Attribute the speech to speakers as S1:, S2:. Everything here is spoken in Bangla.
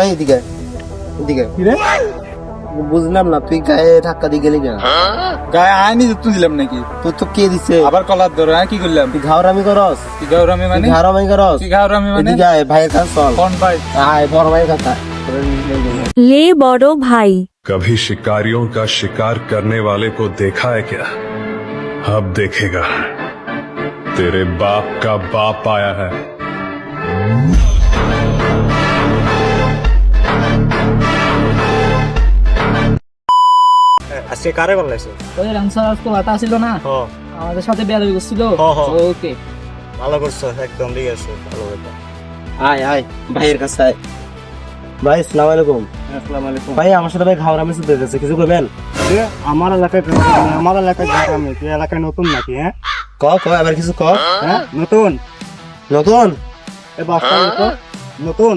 S1: এদিকে এদিকে
S2: কি রে
S1: বুঝলাম না, তুই গায়ে ধাক্কা দিয়ে গেলি কেন?
S2: গায়ে আইনি যুক্ত দিলাম নাকি?
S1: তোর তো কে দিছে?
S2: আবার কলার ধরে কি করলাম?
S1: তুই ঘাওরামি করস?
S2: কি গাউরামি মানে?
S1: তুই ঘাওরামি করস?
S2: কি গাউরামি মানে?
S1: এদিকে আয়, ভাইয়ের কাছে চল।
S2: কোন ভাই?
S1: আয়, বড় ভাইয়ের কাছে আয়।
S3: ले बड़ो भाई।
S4: कभी शिकारियों का शिकार करने वाले को देखा है क्या? अब देखेगा। तेरे बाप का बाप आया है।
S5: আজকে কারে বললাইছো?
S6: ওই রামসার আজকে বাতা ছিল না, আমাদের সাথে বেয়াদবি করছিল। ওকে,
S5: ভালো করছো, একদম ঠিক আছে, ভালো কথা।
S1: আয় আয়, ভাইয়ের কাছে আয়। ভাই আসসালামু আলাইকুম।
S5: আসসালামু আলাইকুম।
S1: ভাই আমার সাথে ভাই ঘাওরামি শুরু হয়ে গেছে, কিছু করবেন?
S5: আমার এলাকায় আমি তুই এলাকায় নতুন নাকি? হ্যাঁ
S1: ক ক আবার কিছু ক।
S5: হ্যাঁ নতুন
S1: নতুন
S5: এ বাসটা তো নতুন।